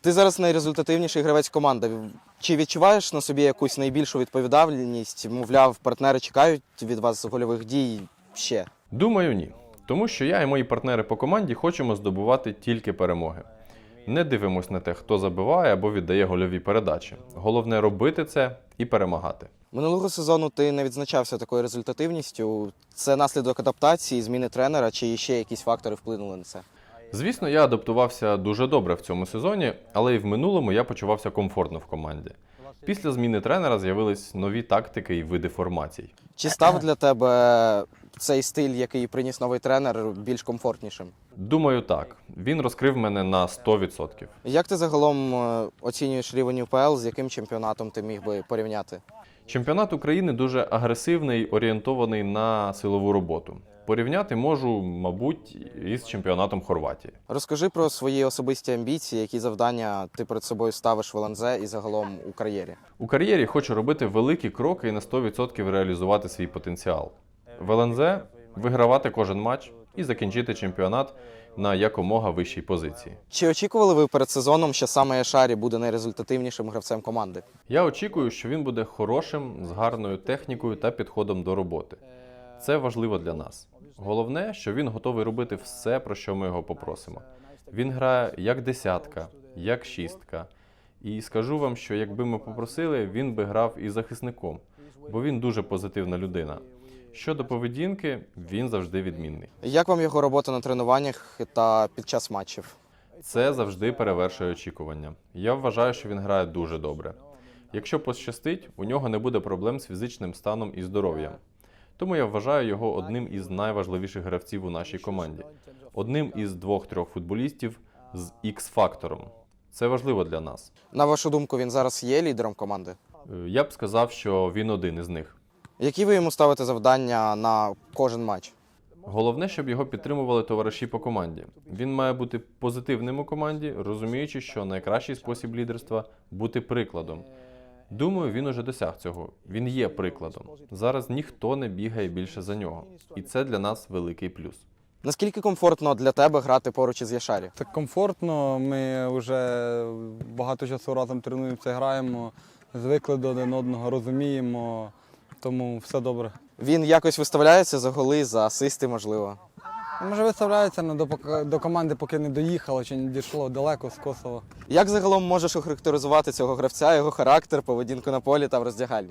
Ти зараз найрезультативніший гравець команди. Чи відчуваєш на собі якусь найбільшу відповідальність? Мовляв, партнери чекають від вас гольових дій ще? Думаю, ні. Тому що я і мої партнери по команді хочемо здобувати тільки перемоги. Не дивимось на те, хто забиває або віддає гольові передачі. Головне робити це і перемагати. Минулого сезону ти не відзначався такою результативністю. Це наслідок адаптації, зміни тренера, чи ще якісь фактори вплинули на це? Звісно, я адаптувався дуже добре в цьому сезоні, але і в минулому я почувався комфортно в команді. Після зміни тренера з'явились нові тактики і види формацій. Чи став для тебе цей стиль, який приніс новий тренер, більш комфортнішим? Думаю, так. Він розкрив мене на 100%. Як ти загалом оцінюєш рівень УПЛ, з яким чемпіонатом ти міг би порівняти? Чемпіонат України дуже агресивний, орієнтований на силову роботу. Порівняти можу, мабуть, із чемпіонатом Хорватії. Розкажи про свої особисті амбіції, які завдання ти перед собою ставиш в ЛНЗ і загалом у кар'єрі. У кар'єрі хочу робити великі кроки і на 100% реалізувати свій потенціал. В ЛНЗ вигравати кожен матч і закінчити чемпіонат на якомога вищій позиції. Чи очікували ви перед сезоном, що саме Яшарі буде найрезультативнішим гравцем команди? Я очікую, що він буде хорошим, з гарною технікою та підходом до роботи. Це важливо для нас. Головне, що він готовий робити все, про що ми його попросимо. Він грає як десятка, як шістка. І скажу вам, що якби ми попросили, він би грав і захисником, бо він дуже позитивна людина. Щодо поведінки, він завжди відмінний. Як вам його робота на тренуваннях та під час матчів? Це завжди перевершує очікування. Я вважаю, що він грає дуже добре. Якщо пощастить, у нього не буде проблем з фізичним станом і здоров'ям. Тому я вважаю його одним із найважливіших гравців у нашій команді. Одним із 2-3 футболістів з X-фактором. Це важливо для нас. На вашу думку, він зараз є лідером команди? Я б сказав, що він один із них. Які ви йому ставите завдання на кожен матч? Головне, щоб його підтримували товариші по команді. Він має бути позитивним у команді, розуміючи, що найкращий спосіб лідерства – бути прикладом. Думаю, він уже досяг цього. Він є прикладом. Зараз ніхто не бігає більше за нього. І це для нас великий плюс. Наскільки комфортно для тебе грати поруч із Яшарі? Так комфортно, ми вже багато часу разом тренуємося, граємо, звикли до один одного, розуміємо, тому все добре. Він якось виставляється за голи, за асисти, можливо? Може виставляється, але до команди поки не доїхало чи не дійшло далеко з Косова. Як загалом можеш охарактеризувати цього гравця, його характер, поведінку на полі та в роздягальні?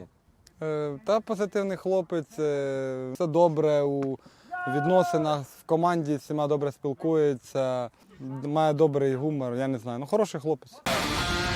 Та позитивний хлопець, все добре у відносинах, в команді всіма добре спілкується, має добрий гумор, я не знаю, хороший хлопець.